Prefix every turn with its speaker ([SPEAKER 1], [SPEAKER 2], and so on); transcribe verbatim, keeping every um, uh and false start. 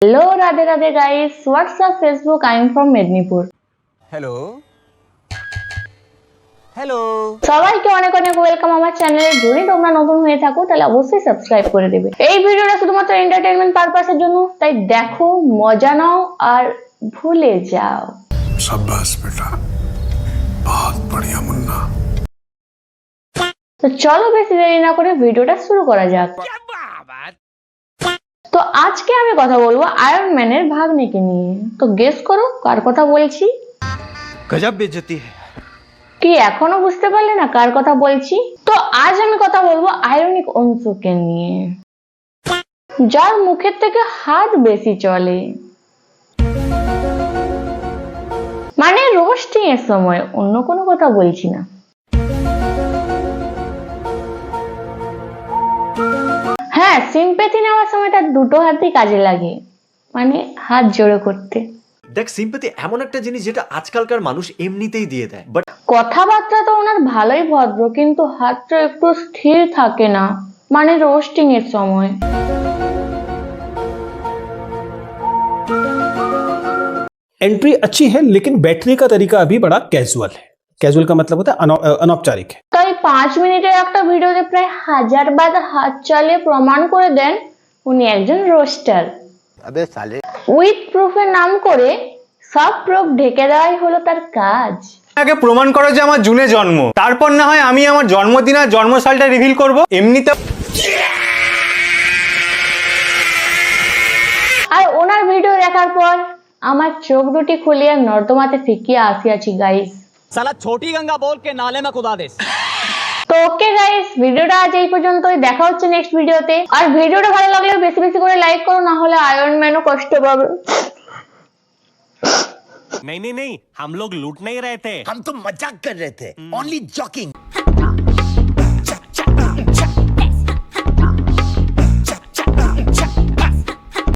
[SPEAKER 1] Hello Radhe Radhe guys, WhatsApp Facebook, I am from Medinipur.
[SPEAKER 2] Hello hello
[SPEAKER 1] সবাইকে অনেক অনেক ওয়েলকাম আমার চ্যানেলে। যদি তোমরা নতুন হয়ে থাকো তাহলে অবশ্যই সাবস্ক্রাইব করে দেবে। এই ভিডিওটা শুধুমাত্র এন্টারটেইনমেন্ট পারপাসের জন্য, তাই দেখো, মজা নাও আর ভুলে যাও।
[SPEAKER 3] शाबाश बेटा, बहुत बढ़िया मुन्ना।
[SPEAKER 1] তো চলো বেশি দেরি না করে ভিডিওটা শুরু করা যাক। তো আজকে আমি কথা বলবো আয়রন ম্যানের ভাগ্নিকে নিয়ে। তো গেস করো কার কথা বলছি।
[SPEAKER 2] गजब बेइज्जती है।
[SPEAKER 1] কি এখনো বুঝতে পারলে না কার কথা বলছি? তো আজ আমি কথা বলবো আয়রনিক অংশুকে নিয়ে, যার মুখের থেকে হাত বেশি চলে। মানে রোস্টিং এর সময়, অন্য কোনো কথা বলছি না। হ্যাঁ, সিম্প্যাথি নেওয়ার সময় তার দুটো হাতই কাজে লাগে, মানে হাত জোড়ো করতে।
[SPEAKER 4] দেখ, সিম্প্যাথি এমন একটা জিনিস যেটা আজকালকার মানুষ এমনিতেই দিয়ে দেয়, বাট
[SPEAKER 1] কথাবার্তা তো ওনার ভালোই ভদ্র, কিন্তু হাতটা একটু স্থির থাকে না, মানে রোস্টিং এর সময়।
[SPEAKER 5] एंट्री अच्छी है लेकिन बैठने का तरीका अभी बड़ा कैजुअल है। कैजुअल का मतलब होता है अनौ, अनौपचारिक है।
[SPEAKER 1] তাই পাঁচ মিনিটের একটা ভিডিওতে প্রায় হাজার বার হাত চালিয়ে প্রমাণ করে দেন উনি একজন রোস্টার।
[SPEAKER 2] अबे साले
[SPEAKER 1] উইথ প্রুফের নাম করে সব প্রুফ ঢেকে দেওয়াই হলো তার কাজ।
[SPEAKER 6] আগে প্রমাণ করো যে আমার জুনে জন্ম, তারপর না হয় আমি আমার জন্মদিন আর জন্মসালটা রিভিল করব। এমনিতে
[SPEAKER 1] আর ওনার ভিডিও দেখার পর আমার চোখ দুটি খুলিয়ে নর্দমাতে ফিকিয়ে আসিয়াছি গাইস।
[SPEAKER 7] साला छोटी गंगा बोल के नाले में कुदा दे।
[SPEAKER 1] তো ওকে গাইস, ভিডিওটা আজ এই পর্যন্তই। দেখা হচ্ছে নেক্সট ভিডিওতে। আর ভিডিওটা ভালো লাগলে বেশি বেশি করে লাইক করো, না হলে আয়রন ম্যানও কষ্ট পাবে।
[SPEAKER 8] नहीं नहीं नहीं, हम लोग लूट नहीं रहे थे,
[SPEAKER 2] हम तो मजाक कर रहे थे, ओनली जॉकिंग।